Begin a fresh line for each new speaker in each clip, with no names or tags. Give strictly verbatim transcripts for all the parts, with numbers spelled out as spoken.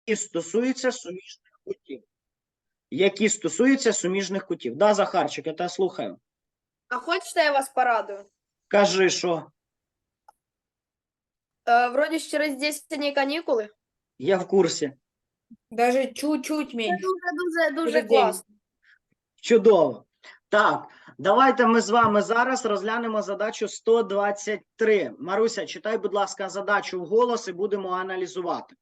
стосуються суміжних кутів. Які стосуються суміжних кутів. Да, Захарчик, я тебе слухаю.
А хочете, я вас порадую?
Кажи, що?
Е, вроді ж через десять днів канікули.
Я в курсі.
Даже чуть-чуть
Це
меньше.
дуже-дуже дуже
Через дев'ять.
класно.
Чудово. Так, давайте ми з вами зараз розглянемо задачу сто двадцять три. Маруся, читай, будь ласка, задачу вголос і будемо аналізувати.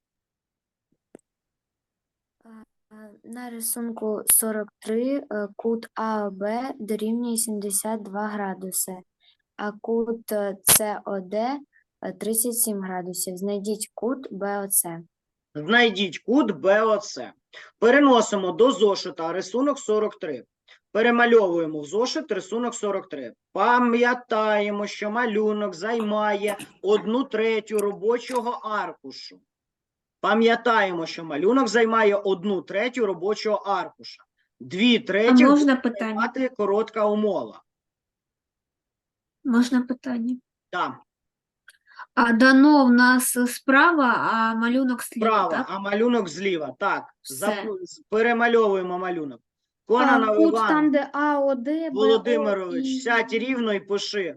На рисунку сорок три е, кут АОБ дорівнює сімдесят два градуси, а кут е, СОД е, тридцять сім градусів. Знайдіть кут БОЦ.
Знайдіть кут БОЦ. Переносимо до зошита рисунок сорок три. Перемальовуємо в зошит рисунок сорок три. Пам'ятаємо, що малюнок займає одну третю робочого аркушу. Пам'ятаємо, що малюнок займає одну третю робочого аркуша. Дві треті
можна
буде
питання?
займати коротка умова.
Можна питання?
Так,
А дано в нас справа, а малюнок сліва,
справа,
так?
а малюнок зліва. Так,
Все.
Зап- перемальовуємо малюнок.
А
Кононов
кут
Іван
там, де АОД,
Володимирович,
БО і
сядь рівно і пиши.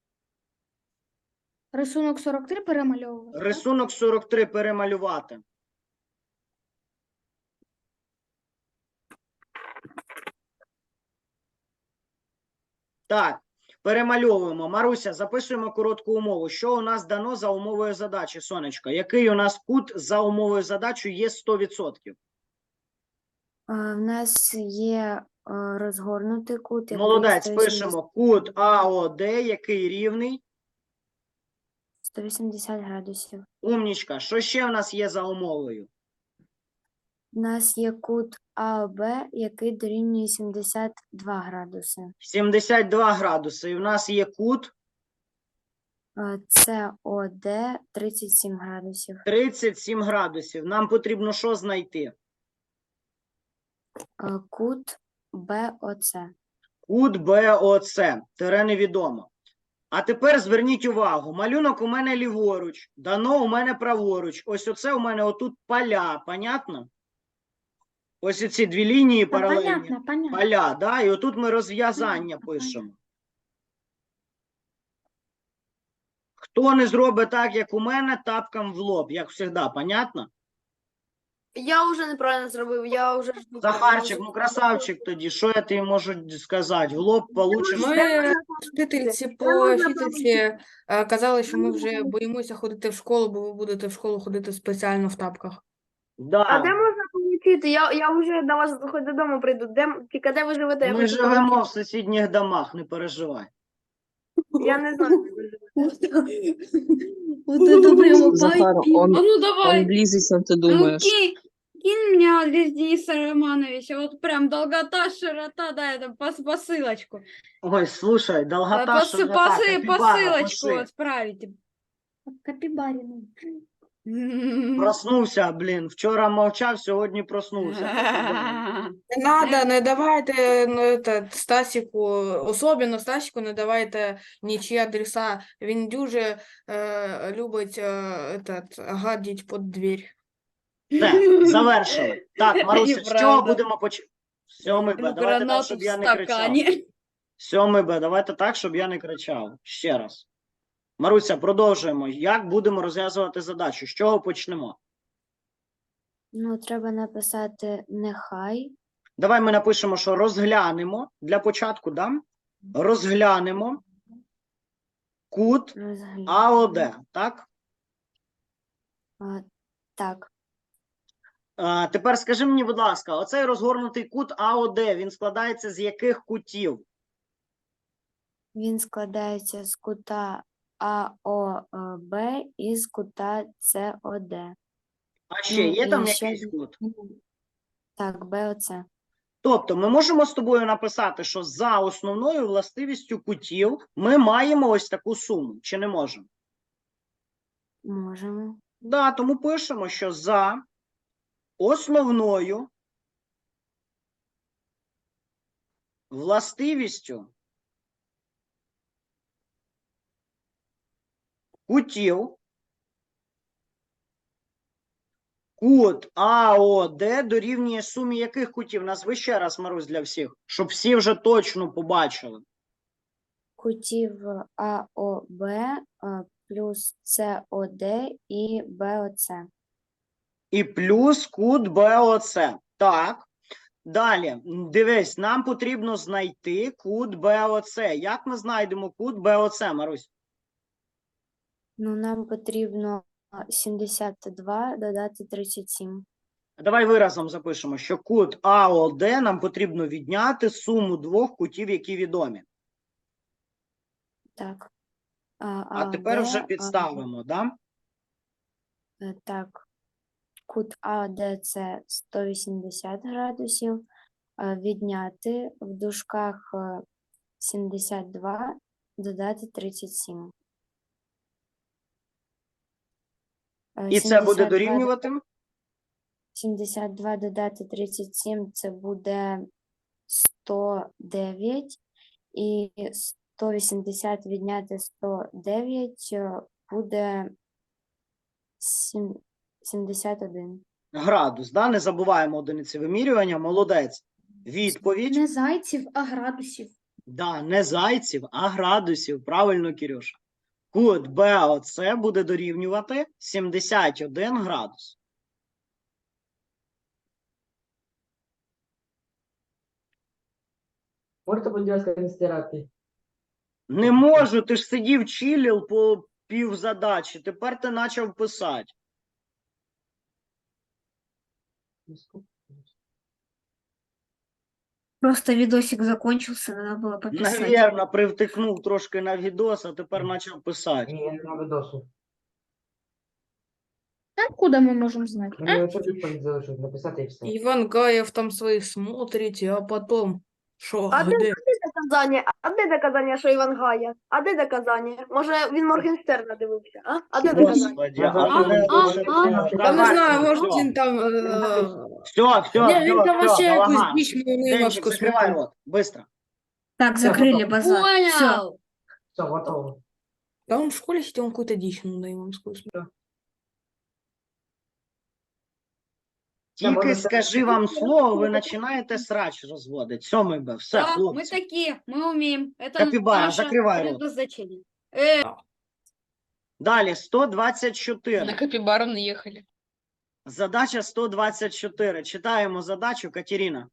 рисунок сорок три перемальовувати. так?
Рисунок сорок три перемалювати. Так, перемальовуємо. Маруся, записуємо коротку умову. Що у нас дано за умовою задачі, сонечко? Який у нас кут за умовою задачі є сто відсотків?
Е, В нас є е, розгорнутий кут. який
Молодець,
сто вісімдесят
пишемо кут АОД, який рівний.
сто вісімдесят градусів.
Умнічка. Що ще в нас є за умовою?
У нас є кут АОБ, який дорівнює сімдесят два градуси.
сімдесят два градуси. І в нас є кут
Е, СОД тридцять сім градусів.
тридцять сім градусів. Нам потрібно що знайти?
Е, Кут БОЦ.
Кут БОЦ. Тире невідомо. А тепер зверніть увагу. Малюнок у мене ліворуч, дано у мене праворуч. Ось оце у мене отут поля. Понятно? Ось оці дві лінії
Та
паралельні.
понятно, понятно.
Поля, да? І отут ми розв'язання пишемо. Хто не зробить так, як у мене, тапком в лоб, як завжди, понятно?
Я вже неправильно зробив, я вже жду.
Захарчик, ну красавчик тоді, що я тобі можу сказати? В лоб получиш.
Ми вчительці по вчительці е, казали, що ми вже боїмося ходити в школу, бо ви будете в школу ходити спеціально в тапках.
Да.
А де можна получити? Я, я вже до вас хоч додому прийду. Де, тільки де ви живете? Я
Ми
хочу
живемо
получити.
в сусідніх домах, не переживай.
Я не знаю, де ви живете.
Вот это прямо
Захар, он,
А ну
он
давай,
близок, чем ты
ну
думаешь.
кинь, кинь мне адрес Дениса Романовича, вот прям долгота, широта, да, это пос- посылочку.
Ой, слушай,
Э,
долгота,
пос-
широта,
посы-
капібара,
посылочку
пиши.
отправите.
Капібаріну.
Проснувся, блін. Вчора мовчав, сьогодні проснувся.
Не надо, не давайте ну, это, Стасіку, особливо Стасіку, не давайте нічі адреса. Він дуже е, любить е, этот, гадіть під двір.
Все, завершили. Так, Маруся, з чого
Неправда.
будемо почати? Сьомий Б, давайте так,
Гранату
щоб
в
я не кричав.
стакане.
Сьомий Б, давайте так, щоб я не кричав. Ще раз. Маруся, продовжуємо. Як будемо розв'язувати задачу? З чого почнемо?
Ну, треба написати нехай.
Давай ми напишемо, що розглянемо. Для початку, да? Розглянемо кут
Розглянемо.
АОД, так?
А, Так.
А, тепер скажи мені, будь ласка, оцей розгорнутий кут АОД, він складається з яких кутів?
Він складається з кута АОБ і з кута СОД.
А ще
Ну,
є там
і ще
якийсь
один-
кут?
Так, БОЦ.
Тобто ми можемо з тобою написати, що за основною властивістю кутів ми маємо ось таку суму, чи не можемо?
Можемо.
Да, тому пишемо, що за основною властивістю кутів Кут АОД дорівнює сумі яких кутів? Назви ще раз, Марусь, для всіх, щоб всі вже точно побачили.
Кутів АОБ е, плюс СОД і БОЦ.
І плюс кут БОЦ. Так. Далі, дивись, нам потрібно знайти кут БОЦ. Як ми знайдемо кут БОЦ, Марусь?
Ну, нам потрібно сімдесят два додати тридцять сім.
Давай виразом запишемо, що кут АОД нам потрібно відняти суму двох кутів, які відомі.
Так.
А тепер
АОД,
вже
а,
підставимо, да?
е, так. Кут АОД це сто вісімдесят градусів. е, Відняти в дужках е, сімдесят два додати тридцять сім. Е,
І це буде
сімдесят два
дорівнювати?
сімдесят два додати тридцять сім це буде сто дев'ять. І сто вісімдесят відняти сто дев'ять е, буде сім- сімдесят один.
Градус, да? Не забуваємо одиниці вимірювання. Молодець. Відповідь.
Не зайців, а градусів.
Да, не зайців, а градусів. Правильно, Кирюша. Кут БОЦ буде дорівнювати сімдесят один градус.
Можете, будь ласка, не стирати?
Не можу, ти ж сидів чилив по пів задачі, тепер ти почав писати.
Просто видосик закончился, надо было пописать.
Навірно, привтикнув трошки на відос, а тепер почав писати.
Ні, я не на видосу.
А куди ми можемо знати?
Мені оце відповідь залишилось написати і все.
Иван Гаев там своих смотрите, а потом шо,
А де,
где?
а де доказання? А де доказання, що Іван Гая? А де доказання? Може, він Моргенстерна дивився, а? А де доказання?
Господи,
А,
а мене
а,
дуже
а,
тривожить.
Я не
Давай,
знаю, может
всьо.
він там... э,
Все, все,
Не, він там
все,
вообще
все,
якусь
Галаган.
дичь мою
Денчик,
немножко
закривай
смотрит.
рот, быстро.
Так,
Всё,
закрыли
готово.
базар. Все. Понял.
Все, готово.
Да он в школе сидел, он какую-то дичь надоимовскую смотрел.
Тільки
можна
скажи вам слово, ви починаєте срач розводити. Сьомий Б, все,
Да, мы
хлопці.
такие, мы умеем. Это
Капибара,
наше
закрывай рот.
предназначение.
Далі, сто двадцять чотири.
Капибару наехали.
Задача сто двадцять чотири. Читаємо задачу, Катерина.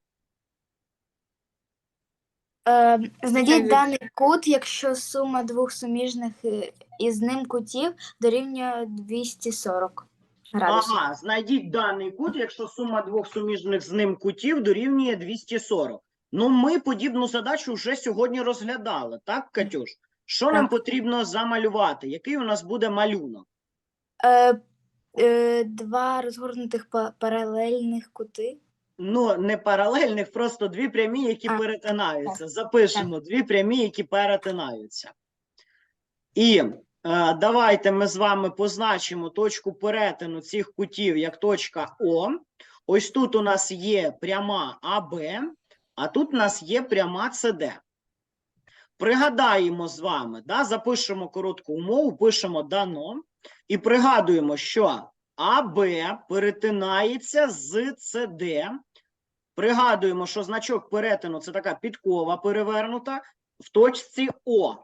Е, Знайдіть
Як-
даний кут, якщо сума двох суміжних е, із ним кутів дорівнює двісті сорок градусів.
Ага, знайдіть даний кут, якщо сума двох суміжних з ним кутів дорівнює двісті сорок. Ну, ми подібну задачу вже сьогодні розглядали, так, Катюш? Що нам
Так.
потрібно замалювати? Який у нас буде малюнок?
Е, е, Два розгорнутих па- паралельних кути.
Ну, не паралельних, просто дві прямі, які
А,
перетинаються. Запишемо дві прямі, які перетинаються. І е, давайте ми з вами позначимо точку перетину цих кутів як точка О. Ось тут у нас є пряма АБ, а тут у нас є пряма СД. Пригадаємо з вами, да, запишемо коротку умову, пишемо дано і пригадуємо, що АБ перетинається з СД. Пригадуємо, що значок перетину – це така підкова перевернута в точці О.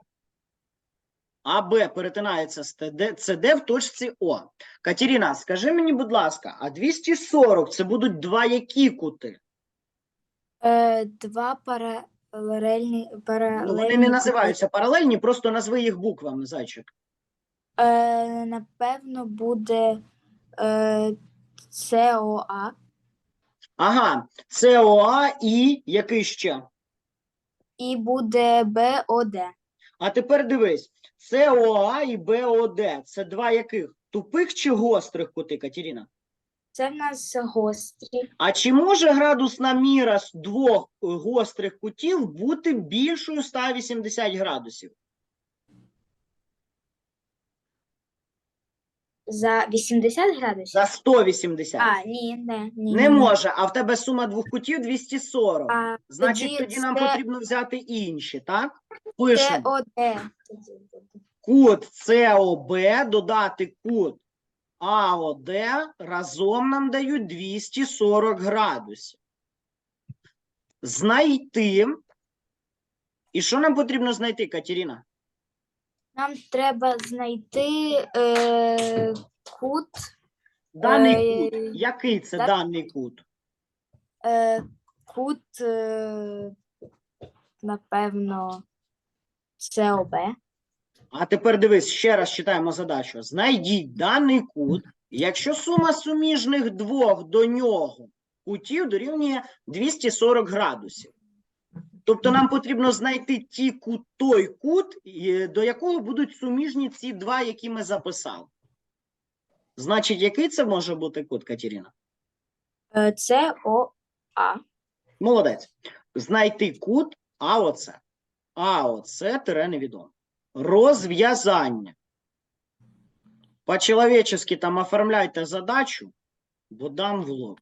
АБ перетинається з СД в точці О. Катерина, скажи мені, будь ласка, а двісті сорок – це будуть два які кути?
Е, Два паралельні,
Ну,
паралельні
вони не
кути.
називаються паралельні, просто назви їх буквами, зайчик.
Е, Напевно, буде е, СОА
Ага, СОА і який ще?
і буде БОД.
А тепер дивись, СОА і БОД – це два яких? Тупих чи гострих кути, Катерина?
Це в нас гострі.
А чи може градусна міра з двох е, гострих кутів бути більшою ста вісімдесят градусів?
За вісімдесят градусів?
За сто вісімдесят.
А, ні, не, ні.
Не
ні, ні.
може, а в тебе сума двох кутів двісті сорок.
А,
Значить,
тоді
тоді нам
це-
потрібно взяти інші, так? Пишемо.
СОД.
Кут СОБ додати кут АОД разом нам дають двісті сорок градусів. Знайти. І що нам потрібно знайти, Катерина?
Нам треба знайти е, кут,
Даний
Е,
кут. Який це
да-
даний кут?
е, кут, е, напевно, СОБ.
А тепер дивись, ще раз читаємо задачу. Знайдіть даний кут, якщо сума суміжних двох до нього кутів дорівнює двісті сорок градусів. Тобто нам потрібно знайти ті кут, той кут, і- до якого будуть суміжні ці два, які ми записали. Значить, який це може бути кут, Катерина?
Е, СОА.
Молодець. Знайти кут АОЦ. АОЦ тире невідомо. Розв'язання. По-человечески там оформляйте задачу, бо дам в лоб.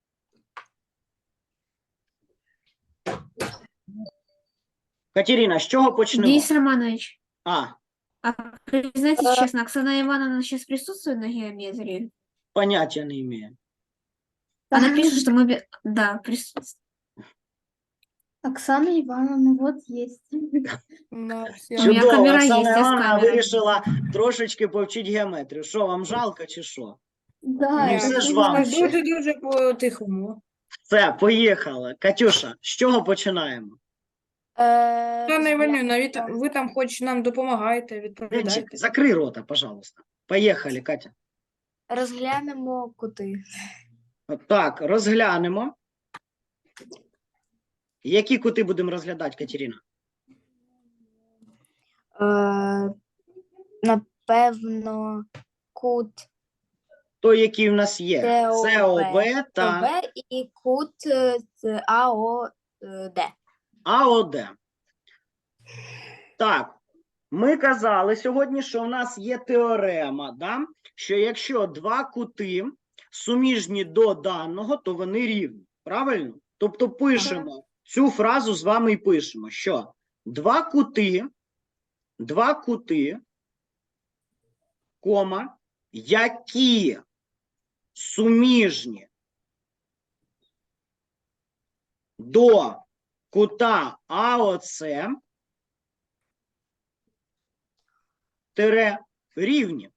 Катерина, з чого почнемо?
Денис Романович,
А,
а признайтесь честно, Оксана Ивановна сейчас присутствует на геометрии?
поняття не имею.
Она пишет, что мы... бе- Да, присутствует. Оксана Ивановна, вот есть.
На всі-
У мене
Чудово,
камера
Оксана
є, я з
Івановна
камерою.
вирішила трошечки повчити геометрію. Що, вам жалко чи що?
Да,
Ну,
Ні,
все ж
це
вам ще.
дуже-дуже по-тихому.
Все, поїхали. Катюша, з чого починаємо?
Е,
Пане Іванівна, ви,
розглянемо-
та- ви там хоч нам допомагаєте,
Денчик,
відповідаєте.
закрий рота, пожалуйста. Поїхали, Катя.
Розглянемо кути.
Так, розглянемо. Які кути будемо розглядати, Катерина?
Е, напевно, кут
Той, який в нас є.
СОБ.
СОБ та
СОБ і кут е, з АОД.
АОД. Так, ми казали сьогодні, що в нас є теорема, да? Що якщо два кути суміжні до даного, то вони рівні. Правильно? Тобто пишемо цю фразу з вами і пишемо, що два кути, два кути, кома, які суміжні до кута АОЦ тире рівні.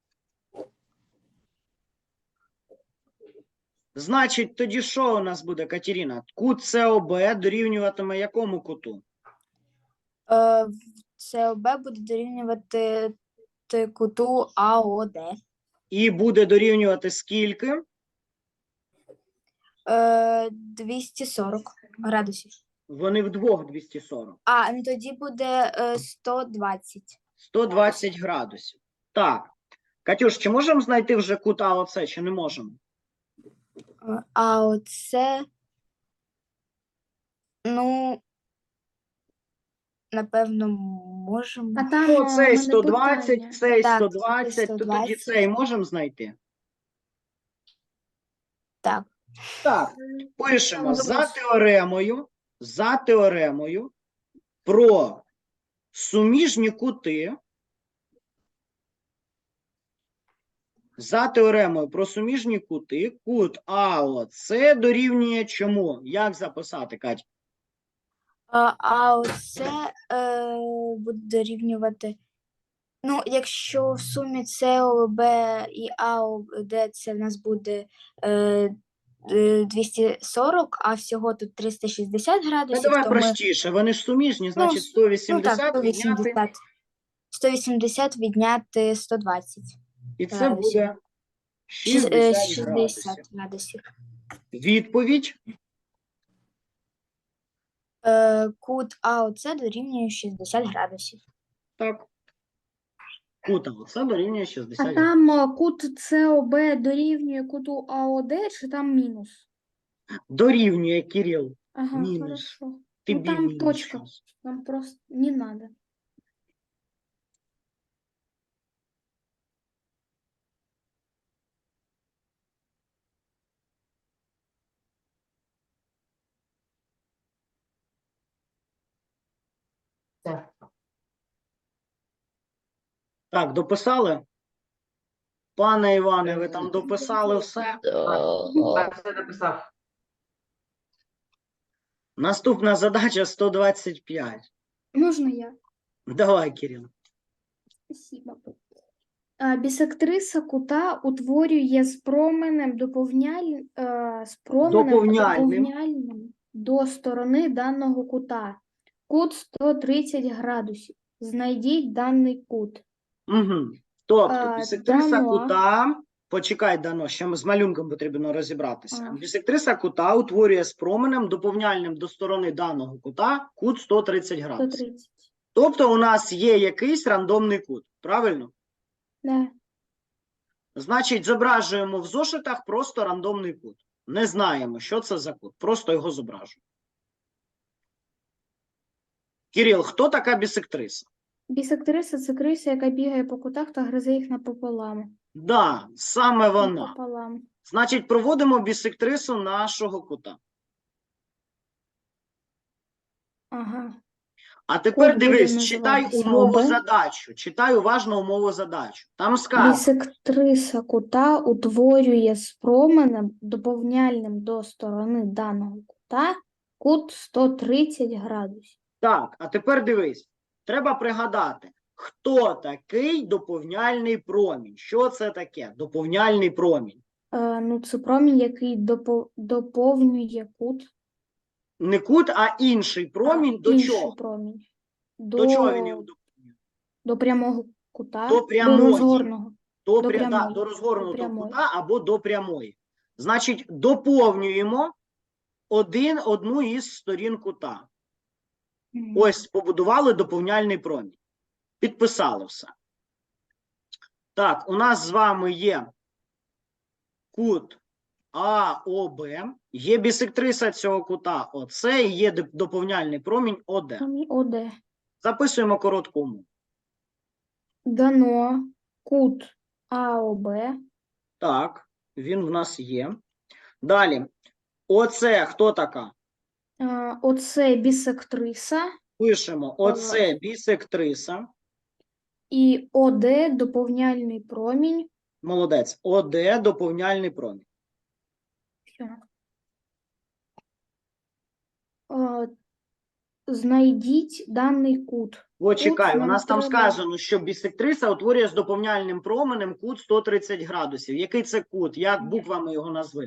Значить, тоді що у нас буде, Катерина? Кут СОБ дорівнюватиме якому куту?
Е, СОБ буде дорівнювати т- куту АОД.
І буде дорівнювати скільки?
Е, двісті сорок градусів.
Вони вдвох двісті сорок.
А, ну тоді буде е, сто двадцять.
сто двадцять градусів. Так. Катюш, чи можемо знайти вже кут АОЦ, чи не можемо?
Е, А оце, ну, напевно, можемо.
А там
Ну,
а,
цей
мене
сто двадцять,
питання.
цей
Так,
сто двадцять, то
сто
тоді
двадцять.
цей можемо знайти?
Так.
Так, пишемо за теоремою, за теоремою про суміжні кути, за теоремою про суміжні кути, кут АОЦ дорівнює чому? Як записати, Катя?
А, а оце е, буде дорівнювати. Ну, якщо в сумі СОБ і АОД це в нас буде е, е, двісті сорок, а всього тут триста шістдесят
Ну,
градусів,
давай
то ми,
простіше, вони ж суміжні, значить
ну,
сто
ну
вісімдесят
так,
відняти,
сто вісімдесят. сто вісімдесят відняти сто двадцять.
і це
градусів.
буде
Шіс- е,
шістдесят градусів.
шістдесят градусів.
Відповідь
Е, кут АОЦ дорівнює шістдесят градусів.
так. Кут АОЦ дорівнює
А
шістдесят градусів.
там а, кут СОБ дорівнює куту АОД, чи там мінус?
Дорівнює, Кирил.
Ага,
Мінус.
хорошо.
Тобі
Ну там
мінус
точка.
щас.
Нам просто не надо.
Все.
Так, дописали? Пане Іване, ви там дописали все?
Так, все написав.
Наступна задача сто двадцять п'ять.
Можна я?
Давай, Кирил.
Спасибо. А, Бісектриса кута утворює з променем доповняль... е, з променем
Доповняльним.
доповняльним до сторони даного кута. Кут сто тридцять градусів. Знайдіть даний кут.
Угу. Тобто,
А,
бісектриса
дано.
кута, почекай, Дано, ще ми з малюнком потрібно розібратися.
А.
Бісектриса кута утворює з променем доповняльним до сторони даного кута кут сто тридцять
сто
градусів.
тридцять.
Тобто у нас є якийсь рандомний кут, правильно?
Да.
Значить, зображуємо в зошитах просто рандомний кут. Не знаємо, що це за кут, просто його зображуємо. Кирил, хто така бісектриса?
Бісектриса – це криса, яка бігає по кутах та гризе їх напополам.
Да, саме вона.
Напополам.
Значить, проводимо бісектрису нашого кута.
Ага.
А тепер
Кут буде
дивись, читай
називатися
умову
ОБ.
задачу. Читай уважно умову задачу. Там сказано,
Бісектриса кута утворює з променем доповняльним до сторони даного кута кут сто тридцять градусів.
так, а тепер дивись. Треба пригадати, хто такий доповняльний промінь. Що це таке? Доповняльний промінь.
Е, ну, це промінь, який допо- доповнює кут.
Не кут, а інший промінь
а,
до
інший
чого?
промінь.
До,
До,
чого він його доповнює?
до прямого кута,
До прямої.
розгорного.
До,
До
пря... да,
прямої.
до розгорнутого
До прямої.
кута або до прямої. Значить, доповнюємо один, одну із сторін кута.
Мгм.
Ось побудували доповняльний промінь. Підписали все. Так, у нас з вами є кут АОБ, є бісектриса цього кута ОС і є доп- доповняльний промінь ОД.
Промінь ОД.
Записуємо коротку умову.
Дано кут АОБ.
Так, він в нас є. Далі. Оце хто така?
А, Оце бісектриса
Пишемо. Оце бісектриса.
і ОД доповняльний промінь.
Молодець. ОД доповняльний промінь.
Всё. А, Знайдіть даний кут.
Почекай,
Тут
у
нам
нас там
треба-
сказано, що бісектриса утворює з доповняльним променем кут сто тридцять градусів. Який це кут? Як буквами його назви?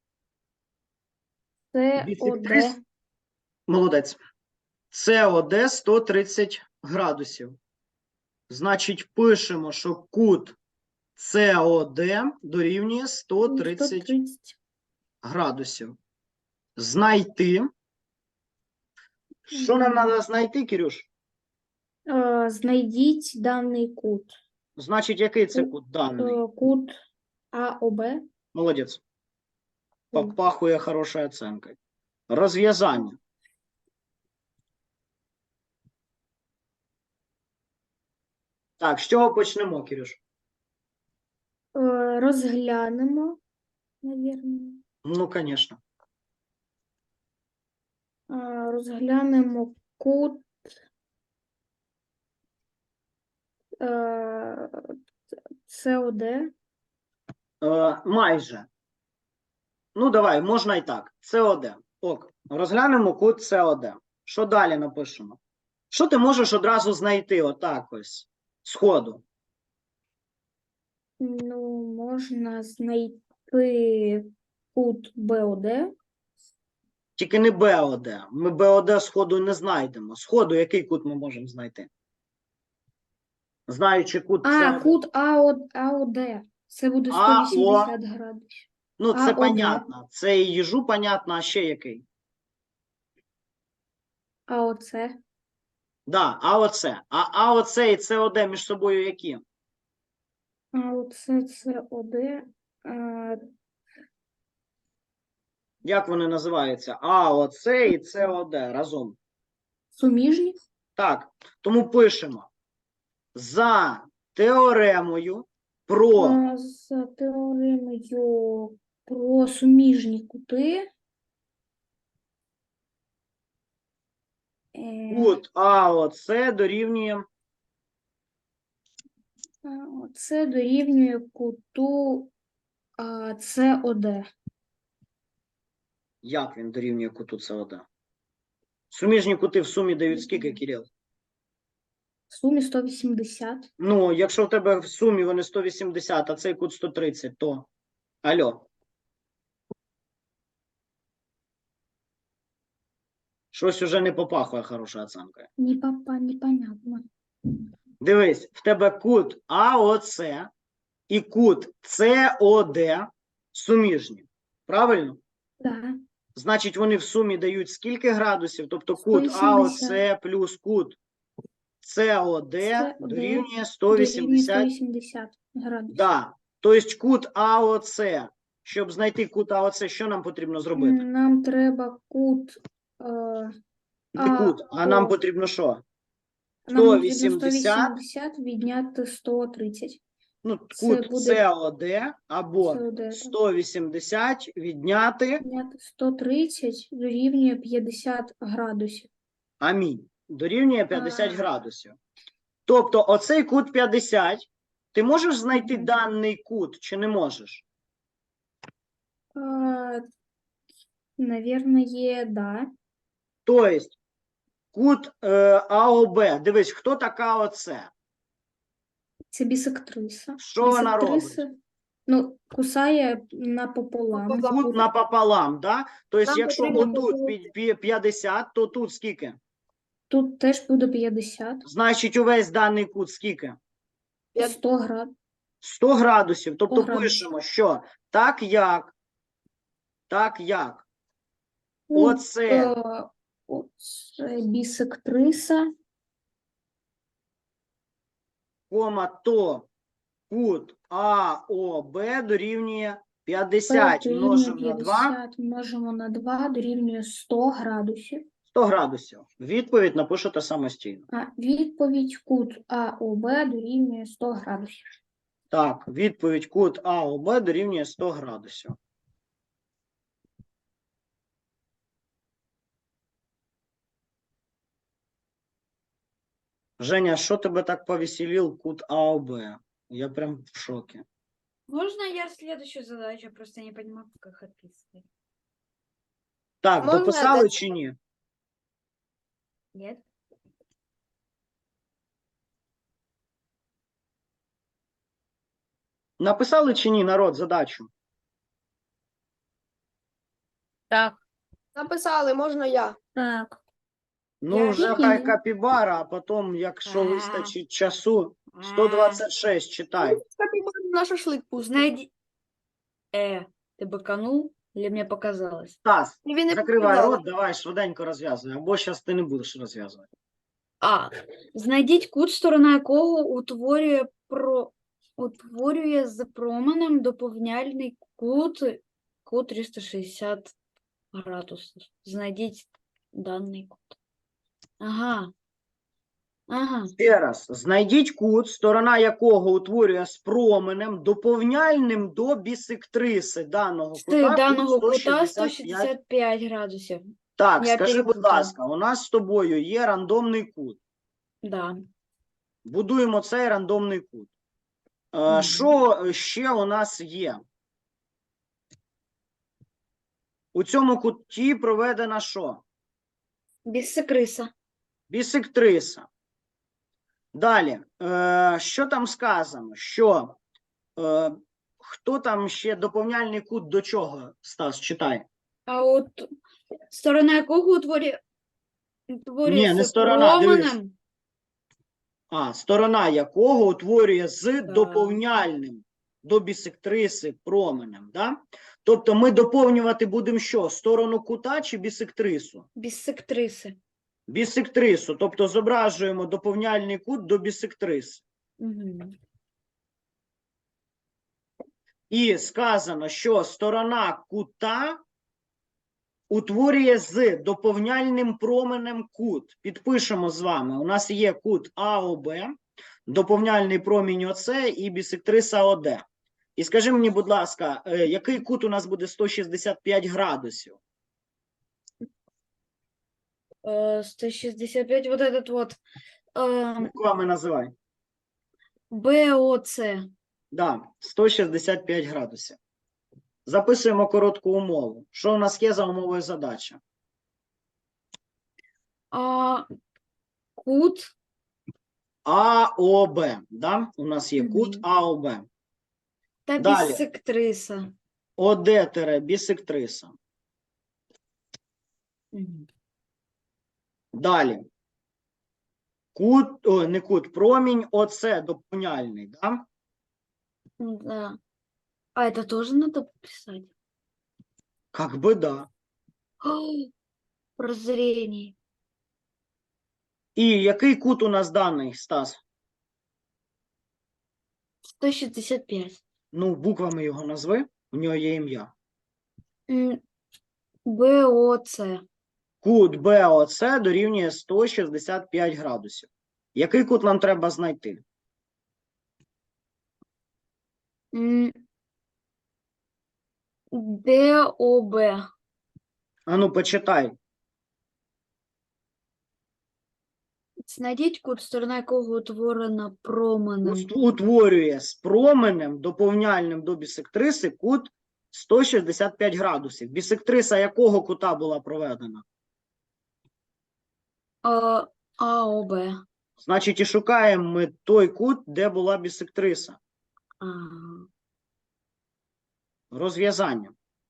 Це ОД.
Бісектрис... Молодець. Це ОД сто тридцять градусів. Значить, пишемо, що кут СОД дорівнює сто тридцять
сто тридцять.
градусів. Знайти. Що нам треба знайти, Кирюш?
Е, Знайдіть даний кут.
Значить, який це кут даний?
Е, Кут АОБ.
Молодець. Попахує хорошою оценкою. Розв'язання. Так, з чого почнемо, Кирюш?
Е, Розглянемо, навірно.
Ну, звісно.
Е, Розглянемо кут е, СОД.
Е, майже. Ну, давай, можна і так. СОД. Ок. Розглянемо кут СОД. Що далі напишемо? Що ти можеш одразу знайти отак ось, сходу?
Ну, можна знайти кут БОД.
Тільки не БОД. Ми БОД сходу не знайдемо. Сходу який кут ми можемо знайти? Знаючи кут
А,
СОД.
кут АО, АОД. Це буде
АО.
сто вісімдесят градусів.
Ну, це
АОД.
понятно. Це і їжу понятно, а ще який?
А оце?
Да, а оце. А, а оце і СОД між собою які?
А оце СОД. Е,
Як вони називаються? А оце і СОД разом.
Суміжні?
Так, тому пишемо. За теоремою про
А, За теоремою про суміжні кути. е,
кут АОЦ дорівнює
А, Це дорівнює куту а, С О Д.
Як він дорівнює куту СОД? Суміжні кути в сумі дають скільки, Кирил?
В сумі сто вісімдесят.
Ну, якщо в тебе в сумі вони сто вісімдесят, а цей кут сто тридцять, то... Алло. Щось уже не попахує хорошою оцінкою.
Не папа, непонятно.
Дивись, в тебе кут А О С і кут С О Д суміжні. Правильно?
Да.
Значить, вони в сумі дають скільки градусів? Тобто кут
сто
А О
вісімдесят.
С плюс кут С О Д
С О Д
дорівнює сто
Дорівнює
вісімдесят.
сто вісімдесят градусів.
Да. Тобто кут А О С, щоб знайти кут А О С, що нам потрібно зробити?
Нам треба кут. Е,
Не
А,
кут, а нам
О.
потрібно що?
нам
сто
потрібно
вісімдесят.
сто вісімдесят відняти сто тридцять.
Ну,
Це
кут
буде-
С О Д або
С О Д.
сто вісімдесят відняти
Відняти сто тридцять дорівнює п'ятдесят градусів.
амінь. Дорівнює п'ятдесят
А.
градусів. Тобто оцей кут п'ятдесят, ти можеш знайти
Мгм.
даний кут чи не можеш?
А, Наверное, да.
Тобто кут е, А О Б. Дивись, хто така оце?
Це бісектриса.
Що вона
Бісектриса, ну, кусає напополам.
Напополам.
Кут напополам, да? Тобто,
Нам
якщо
потрібно
отут
було-
пі- пі- п'ятдесят, то тут скільки?
Тут теж буде п'ятдесят.
Значить, увесь даний кут скільки?
Я-
сто градусів.
сто градусів. Тобто
градусів.
пишемо, що так як, так як
Ну,
оце
е, Оце бісектриса.
кома, то кут А О Б дорівнює п'ятдесят
Дорівнює
множимо на два,
п'ятдесят множимо на два дорівнює сто градусів.
сто градусів. Відповідь напишете самостійно.
А відповідь кут А О Б дорівнює сто градусів.
Так, відповідь кут А О Б дорівнює сто градусів. Женя, що тебе так повеселил кут А О Б? Я прям в шокі.
Можно я следующую задачу? Просто не понимаю, как их описывать.
Так,
Можна
дописали
дати-
чи ні?
Нет?
Написали чи ні, народ, задачу?
Так.
Написали, можна я.
Так.
Ну,
Я
вже
тільки
хай
ні.
капібара, а потім, якщо
Ага.
вистачить часу, сто двадцять шість читай.
Капібару на шашлик пусти.
Знайди... Э, ты быканул или мне показалось?
Стас,
І він не
закривай
показали.
рот, давай швиденько розв'язуй, або зараз ти не будеш розв'язувати.
А. Знайдіть кут, сторона якого утворює про... утворює з променем доповняльний кут, кут триста шістдесят градусів. Знайдіть даний кут. Ага. Ага.
Ще раз, знайдіть кут, сторона якого утворює з променем доповняльним до бісектриси даного
З
кута.
даного
кут
кута
сто шістдесят п'ять.
сто шістдесят п'ять градусів.
Так,
Я
скажи, будь
перепутала.
ласка, у нас з тобою є рандомний кут.
Да.
Будуємо цей рандомний кут. Е,
Мгм.
Що ще у нас є? У цьому куті проведена що?
Бісекриса.
Бісектриса. Далі, е, що там сказано? Що е, хто там ще доповняльний кут до чого, Стас, читай.
А от сторона якого утворює, утворює
Ні, не
з
сторона, дивись.
променем.
А, сторона якого утворює з
Так.
доповняльним до бісектриси променем. Да? Тобто ми доповнювати будемо що? Сторону кута чи бісектрису?
Бісектриси.
Бісектрису, тобто зображуємо доповняльний кут до бісектриси.
Угу.
І сказано, що сторона кута утворює з доповняльним променем кут. Підпишемо з вами. У нас є кут А О Б, доповняльний промінь О С і бісектриса О Д. І скажи мені, будь ласка, е, який кут у нас буде сто шістдесят п'ять градусів?
сто шістдесят п'ять, вот этот вот. Е,
Буквами називай.
БОЦ.
Да, сто шістдесят п'ять градусів. Записуємо коротку умову. Що у нас є за умовою задачі?
А кут
АОБ. Да? У нас є кут
Мгм.
АОБ.
та
Далі.
бісектриса.
ОД-бісектриса. Далі. Кут, о, не кут, промінь ОС доповняльний. Да?
Да. А это тоже надо писать?
Как би да.
Прозрение.
І який кут у нас даний, Стас?
сто шестьдесят пять.
Ну, буквами його назви, у нього є ім'я.
М, БОЦ.
Кут БОЦ дорівнює сто шістдесят п'ять градусів. Який кут нам треба знайти?
М, ДОБ.
Ану, почитай.
Знайдіть кут, сторона якого утворена променем.
Ут- Утворює з променем доповняльним до бісектриси кут сто шістдесят п'ять градусів. Бісектриса якого кута була проведена?
А, АОБ.
Значить, і шукаємо ми той кут, де була бісектриса.
Ага.
Розв'язання.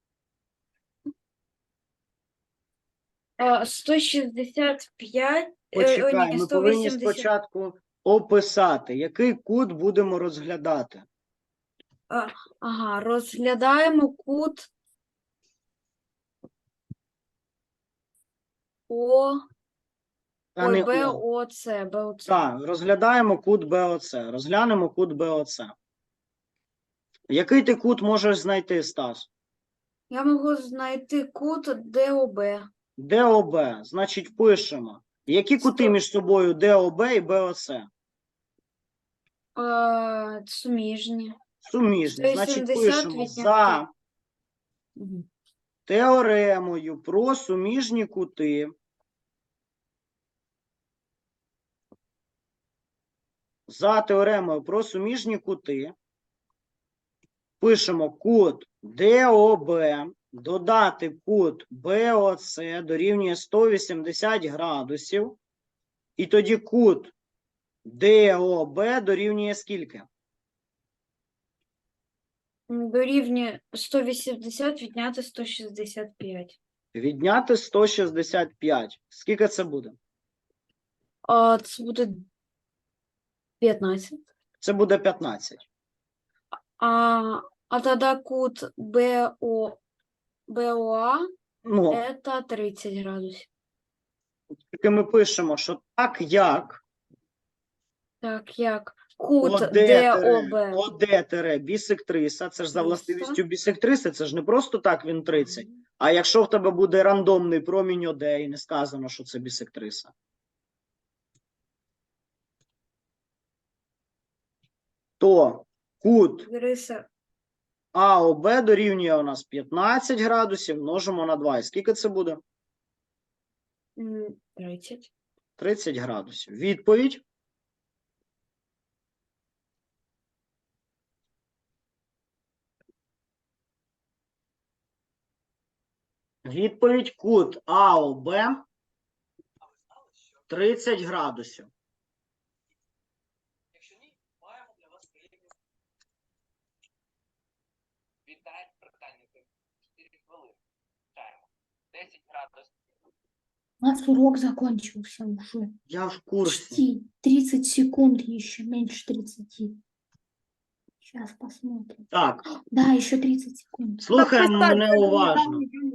А, сто шістдесят п'ять. е, о,
Почекай,
ні,
ми повинні
сто вісімдесят.
спочатку описати, який кут будемо розглядати.
Ага, розглядаємо кут О,
А
ой,
не О.
БОЦ, БОЦ.
Так, розглядаємо кут БОЦ. Розглянемо кут БОЦ. Який ти кут можеш знайти, Стас?
Я можу знайти кут ДОБ.
ДОБ. Значить, пишемо. Які кути
Сто-
між собою ДОБ і БОЦ?
Е, суміжні.
Суміжні. Значить,
сто вісімдесят
пишемо
відняти.
за
Мгм.
теоремою про суміжні кути. За теоремою про суміжні кути пишемо кут ДОБ, додати кут БОЦ дорівнює сто вісімдесят градусів. І тоді кут ДОБ дорівнює скільки?
М, Дорівнює сто вісімдесят відняти сто шістдесят п'ять.
Відняти сто шістдесят п'ять. Скільки це буде?
А це буде п'ятнадцять.
Це буде п'ятнадцять.
А, а тоді кут БО, БОА
Ну,
це тридцять градусів.
тільки ми пишемо, що так як
Так, як кут
ОД-бісектриса,
ДОБ.
ОД-бісектриса, це ж за
Триста.
властивістю бісектриси, це ж не просто так він тридцять. А якщо в тебе буде рандомний промінь ОД і не сказано, що це бісектриса. То кут
Риса
АОБ дорівнює у нас п'ятнадцять градусів, множимо на два. І скільки це буде?
м, тридцять.
тридцять градусів. Відповідь. Відповідь кут АОБ тридцять градусів.
Якщо ні, маємо для вас приємні. Віддайте питання. чотири хвилини. Чаємо. десять градусів.
У нас урок закончился уже.
Я в курсі.
Почти тридцать секунд еще, меньше тридцати. Сейчас посмотрим.
Так,
Да, еще тридцать секунд.
слухаємо мене уважно.